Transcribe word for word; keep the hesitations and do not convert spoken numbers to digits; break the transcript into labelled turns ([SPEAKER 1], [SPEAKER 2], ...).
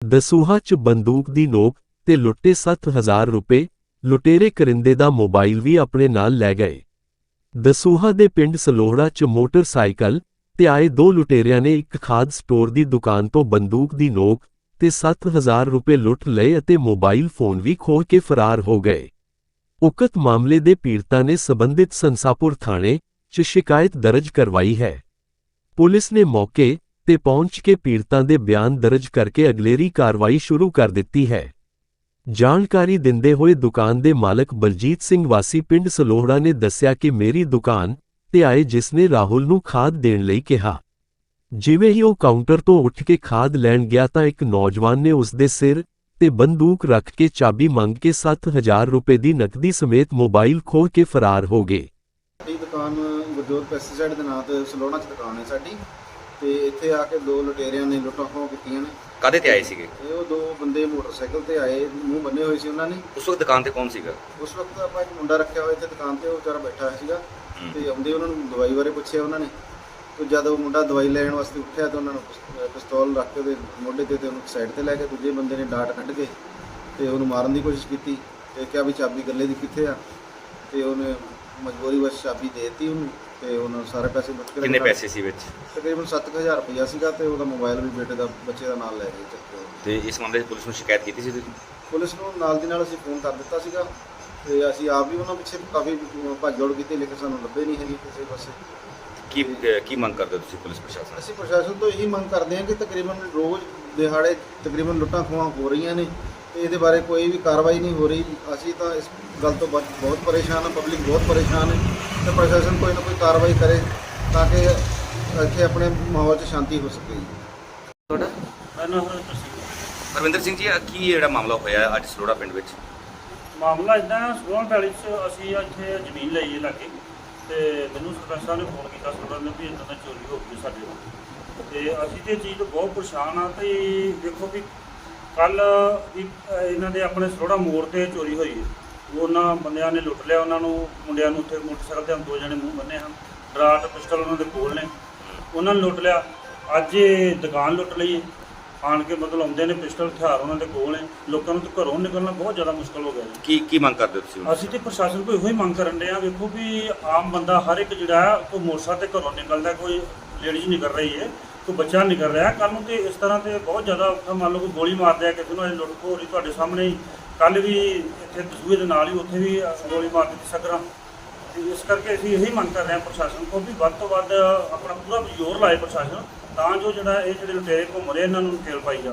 [SPEAKER 1] ਦਸੂਹਾ 'ਚ ਬੰਦੂਕ ਦੀ ਨੋਕ ਤੇ ਲੁੱਟੇ ਸੱਤ ਹਜ਼ਾਰ ਰੁਪਏ। ਲੁਟੇਰੇ ਕਰਿੰਦੇ ਦਾ ਮੋਬਾਈਲ ਵੀ ਆਪਣੇ ਨਾਲ ਲੈ ਗਏ। ਦਸੂਹਾ ਦੇ ਪਿੰਡ ਸਲੋਹੜਾ 'ਚ ਮੋਟਰਸਾਈਕਲ ਤੇ ਆਏ ਦੋ ਲੁਟੇਰਿਆਂ ਨੇ ਇੱਕ ਖਾਦ ਸਟੋਰ ਦੀ ਦੁਕਾਨ ਤੋਂ ਬੰਦੂਕ ਦੀ ਨੋਕ ਤੇ ਸੱਤ ਹਜ਼ਾਰ ਰੁਪਏ ਲੁੱਟ ਲਏ ਅਤੇ ਮੋਬਾਈਲ ਫੋਨ ਵੀ ਖੋਹ ਕੇ ਫਰਾਰ ਹੋ ਗਏ। ਉਕਤ ਮਾਮਲੇ ਦੇ ਪੀੜਤਾਂ ਨੇ ਸਬੰਧਿਤ ਸੰਸਾਪੁਰ ਥਾਣੇ 'ਚ ਸ਼ਿਕਾਇਤ ਦਰਜ ਕਰਵਾਈ ਹੈ। ਪੁਲਿਸ ਨੇ ਮੌਕੇ ਤੇ ਪਹੁੰਚ ਕੇ ਪੀੜਤਾਂ ਦੇ ਬਿਆਨ ਦਰਜ ਕਰਕੇ ਅਗਲੇਰੀ ਕਾਰਵਾਈ ਸ਼ੁਰੂ ਕਰ ਦਿੱਤੀ ਹੈ। ਜਾਣਕਾਰੀ ਦਿੰਦੇ ਹੋਏ ਦੁਕਾਨ ਦੇ ਮਾਲਕ ਬਲਜੀਤ ਸਿੰਘ ਵਾਸੀ ਪਿੰਡ ਸਲੋਹੜਾ ਨੇ ਦੱਸਿਆ ਕਿ ਮੇਰੀ ਦੁਕਾਨ ਤੇ ਆਏ ਜਿਸ ਨੇ ਰਾਹੁਲ ਨੂੰ ਖਾਦ ਦੇਣ ਲਈ ਕਿਹਾ। ਜਿਵੇਂ ਹੀ ਉਹ ਕਾਊਂਟਰ ਤੋਂ ਉੱਠ ਕੇ ਖਾਦ ਲੈਣ ਗਿਆ ਤਾਂ ਇੱਕ ਨੌਜਵਾਨ ਨੇ ਉਸ ਦੇ ਸਿਰ ਤੇ ਬੰਦੂਕ ਰੱਖ ਕੇ ਚਾਬੀ ਮੰਗ ਕੇ ਸੱਤ ਹਜ਼ਾਰ ਰੁਪਏ ਦੀ ਨਕਦੀ ਸਮੇਤ ਮੋਬਾਈਲ ਖੋਹ ਕੇ ਫਰਾਰ ਹੋ ਗਏ।
[SPEAKER 2] ਸਾਡੀ ਦੁਕਾਨ ਗੁਰਜੋਤ ਪੈਸਟੀਸਾਈਡ ਦੇ ਨਾਂ ਤੇ ਸਲੋਹੜਾ 'ਚ ਦੁਕਾਨ ਹੈ ਸਾਡੀ, ਤੇ ਇੱਥੇ ਆ ਕੇ ਦੋ ਲੁਟੇਰਿਆਂ ਨੇ ਲੁੱਟਾਂ ਖੋਹ ਕੀਤੀਆਂ ਨੇ।
[SPEAKER 3] ਕਾਹਦੇ ਤੇ ਆਏ ਸੀਗੇ?
[SPEAKER 2] ਇਹ ਉਹ ਦੋ ਬੰਦੇ ਮੋਟਰਸਾਈਕਲ ਤੇ ਆਏ, ਮੂੰਹ ਬੰਨੇ ਹੋਏ ਸੀ ਉਹਨਾਂ ਨੇ।
[SPEAKER 3] ਉਸ ਵਕਤ ਦੁਕਾਨ ਤੇ ਕੌਣ ਸੀਗਾ?
[SPEAKER 2] ਉਸ ਵਕਤ ਆਪਾਂ ਇੱਕ ਮੁੰਡਾ ਰੱਖਿਆ ਹੋਇਆ ਇੱਥੇ ਦੁਕਾਨ ਤੇ, ਉਹ ਵਿਚਾਰਾ ਬੈਠਾ ਹੋਇਆ ਸੀਗਾ ਤੇ ਆਉਂਦੇ ਉਹਨਾਂ ਨੂੰ ਦਵਾਈ ਬਾਰੇ ਪੁੱਛਿਆ ਉਹਨਾਂ ਨੇ। ਤੇ ਜਦ ਉਹ ਮੁੰਡਾ ਦਵਾਈ ਲੈਣ ਵਾਸਤੇ ਉੱਠਿਆ ਤਾਂ ਉਹਨਾਂ ਨੂੰ ਪਿਸਤੌਲ ਰੱਖ ਕੇ ਉਹਦੇ ਮੋਢੇ ਤੇ ਤੇ ਉਹਨੂੰ ਸਾਈਡ ਤੇ ਲੈ ਕੇ ਦੂਜੇ ਬੰਦੇ ਨੇ ਡਾਟ ਕੱਢ ਕੇ ਤੇ ਉਹਨੂੰ ਮਾਰਨ ਦੀ ਕੋਸ਼ਿਸ਼ ਕੀਤੀ ਤੇ ਕਿਹਾ ਵੀ ਚਾਬੀ ਗੱਲੇ ਦੀ ਕਿੱਥੇ ਆ, ਤੇ ਉਹਨੇ ਮਜਬੂਰੀ ਵਿੱਚ ਚਾਬੀ ਦੇ ਦਿੱਤੀ ਉਹਨੂੰ ਤੇ ਉਹਨਾਂ ਸਾਰੇ ਪੈਸੇ ਲੁੱਟ ਕੇ।
[SPEAKER 3] ਕਿੰਨੇ ਪੈਸੇ ਸੀ ਵਿੱਚ?
[SPEAKER 2] ਤਕਰੀਬਨ ਸੱਤ ਹਜ਼ਾਰ ਰੁਪਇਆ ਸੀਗਾ ਤੇ ਉਹਦਾ ਮੋਬਾਈਲ ਵੀ ਬੇਟੇ ਦਾ ਬੱਚੇ ਦਾ ਨਾਲ ਲੈ ਗਏ ਚੱਕ ਕੇ।
[SPEAKER 3] ਤੇ ਇਸ ਮਾਮਲੇ 'ਚ ਪੁਲਿਸ ਨੂੰ ਸ਼ਿਕਾਇਤ ਕੀਤੀ ਸੀ ਤੁਸੀਂ?
[SPEAKER 2] ਪੁਲਿਸ ਨੂੰ ਨਾਲ ਦੀ ਨਾਲ ਅਸੀਂ ਫੋਨ ਕਰ ਦਿੱਤਾ ਸੀਗਾ ਤੇ ਅਸੀਂ ਆਪ ਵੀ ਉਹਨਾਂ ਪਿੱਛੇ ਕਾਫੀ ਭੱਜ ਦੌੜ ਕੀਤੀ, ਲੇਕਿਨ ਸਾਨੂੰ ਲੱਭੇ ਨਹੀਂ ਹੈਗੀ ਕਿਸੇ ਪਾਸੇ।
[SPEAKER 3] ਕੀ ਕੀ ਮੰਗ ਕਰਦੇ ਹੋ ਤੁਸੀਂ ਪੁਲਿਸ ਪ੍ਰਸ਼ਾਸਨ?
[SPEAKER 2] ਅਸੀਂ ਪ੍ਰਸ਼ਾਸਨ ਤੋਂ ਇਹੀ ਮੰਗ ਕਰਦੇ ਹਾਂ ਕਿ ਤਕਰੀਬਨ ਰੋਜ਼ ਦਿਹਾੜੇ ਤਕਰੀਬਨ ਲੁੱਟਾਂ ਖੋਹਾਂ ਹੋ ਰਹੀਆਂ ਨੇ ਤੇ ਇਹਦੇ ਬਾਰੇ ਕੋਈ ਵੀ ਕਾਰਵਾਈ ਨਹੀਂ ਹੋ ਰਹੀ। ਅਸੀਂ ਤਾਂ ਇਸ ਗੱਲ ਤੋਂ ਬਹੁਤ ਪਰੇਸ਼ਾਨ ਹਾਂ, ਪਬਲਿਕ ਬਹੁਤ ਪਰੇਸ਼ਾਨ ਹੈ ਤੇ ਪ੍ਰਸ਼ਾਸਨ ਕੋਈ ਨਾ ਕੋਈ ਕਾਰਵਾਈ ਕਰੇ ਤਾਂ ਕਿ ਇੱਥੇ ਆਪਣੇ ਮਾਹੌਲ 'ਚ ਸ਼ਾਂਤੀ ਹੋ ਸਕੇ।
[SPEAKER 3] ਤੁਹਾਡਾ ਹਰਵਿੰਦਰ ਸਿੰਘ ਜੀ, ਕੀ ਜਿਹੜਾ ਮਾਮਲਾ ਹੋਇਆ ਅੱਜ ਸਲੋਹੜਾ ਪਿੰਡ ਵਿੱਚ?
[SPEAKER 4] ਮਾਮਲਾ ਇੱਦਾਂ, ਸਲੋਹੜਾ ਪੈਲੀ 'ਚ ਅਸੀਂ ਇੱਥੇ ਜ਼ਮੀਨ ਲਈ ਹੈ ਲਾਗੇ, ਤੇ ਮੈਨੂੰ ਸਰਪੰਚ ਸਾਹਿਬ ਨੇ ਫੋਨ ਕੀਤਾ ਸਲੋਹੜਾ ਨੇ ਵੀ ਇੱਦਾਂ ਦਾ ਚੋਰੀ ਹੋ ਗਈ ਸਾਡੇ ਨਾਲ, ਤੇ ਅਸੀਂ ਤੇ ਚੀਜ਼ ਤੋਂ ਬਹੁਤ ਪਰੇਸ਼ਾਨ ਹਾਂ। ਤੇ ਦੇਖੋ ਵੀ ਕੱਲ੍ਹ ਵੀ ਇਹਨਾਂ ਦੇ ਆਪਣੇ ਸਲੋਹੜਾ ਮੋੜ 'ਤੇ ਚੋਰੀ ਹੋਈ ਹੈ। ਉਹਨਾਂ ਬੰਦਿਆਂ ਨੇ ਲੁੱਟ ਲਿਆ ਉਹਨਾਂ ਨੂੰ, ਮੁੰਡਿਆਂ ਨੂੰ ਉੱਥੇ ਮੋਟਰਸਾਈਕਲ 'ਤੇ ਦੋ ਜਣੇ ਮੂੰਹ ਬੰਨੇ ਹਨ, ਡਰਾਟ ਪਿਸਟਲ ਉਹਨਾਂ ਦੇ ਕੋਲ ਨੇ, ਉਹਨਾਂ ਨੇ ਲੁੱਟ ਲਿਆ। ਅੱਜ ਇਹ ਦੁਕਾਨ ਲੁੱਟ ਲਈ ਆਣ ਕੇ, ਮਤਲਬ ਆਉਂਦੇ ਨੇ ਪਿਸਟਲ ਹਥਿਆਰ ਉਹਨਾਂ ਦੇ ਕੋਲ ਨੇ। ਲੋਕਾਂ ਨੂੰ ਤਾਂ ਘਰੋਂ ਨਿਕਲਣਾ ਬਹੁਤ ਜ਼ਿਆਦਾ ਮੁਸ਼ਕਲ ਹੋ ਗਿਆ ਜੀ।
[SPEAKER 3] ਕੀ ਕੀ ਮੰਗ ਕਰਦੇ ਹੋ ਤੁਸੀਂ?
[SPEAKER 4] ਅਸੀਂ ਤੇ ਪ੍ਰਸ਼ਾਸਨ ਕੋਲ ਇਹੋ ਹੀ ਮੰਗ ਕਰਨ ਦੇ ਆ। ਵੇਖੋ ਵੀ ਆਮ ਬੰਦਾ ਹਰ ਇੱਕ ਜਿਹੜਾ ਕੋਈ ਮੋਟਰਸਾਈਕਲ ਤੇ ਘਰੋਂ ਨਿਕਲਦਾ, ਕੋਈ ਲੇਡੀਜ਼ ਨਿਕਲ ਰਹੀ ਹੈ, ਕੋਈ ਬੱਚਾ ਨਿਕਲ ਰਿਹਾ, ਕੱਲ੍ਹ ਨੂੰ ਤੇ ਇਸ ਤਰ੍ਹਾਂ ਤੇ ਬਹੁਤ ਜ਼ਿਆਦਾ ਔਖਾ। ਮੰਨ ਲਓ ਕੋਈ ਗੋਲੀ ਮਾਰ ਦਿਆ ਕਿਸੇ ਨੂੰ, ਇਹ ਲੁੱਟ ਖੋਹ ਹੋ ਰਹੀ ਤੁਹਾਡੇ ਸਾਹਮਣੇ ਹੀ। ਕੱਲ੍ਹ ਵੀ ਇੱਥੇ ਦਸੂਹੇ ਦੇ ਨਾਲ ਹੀ ਉੱਥੇ ਵੀ ਗੋਲੀ ਮਾਰ ਦਿੱਤੀ ਸਕਰਾਂ। ਤੇ ਇਸ ਕਰਕੇ ਅਸੀਂ ਇਹੀ ਮੰਗ ਕਰ ਰਹੇ ਹਾਂ ਪ੍ਰਸ਼ਾਸਨ ਕੋਲ ਵੀ ਵੱਧ ਤੋਂ ਵੱਧ ਆਪਣਾ ਪੂਰਾ ਜ਼ੋਰ ਲਾਏ ਪ੍ਰਸ਼ਾਸਨ, ਤਾਂ ਜੋ ਜਿਹੜਾ ਇਹ ਜਿਹੜੇ ਲੁਟੇਰੇ ਘੁੰਮ ਰਹੇ ਇਹਨਾਂ ਨੂੰ ਨਕੇਲ ਪਾਈ ਜਾਵੇ।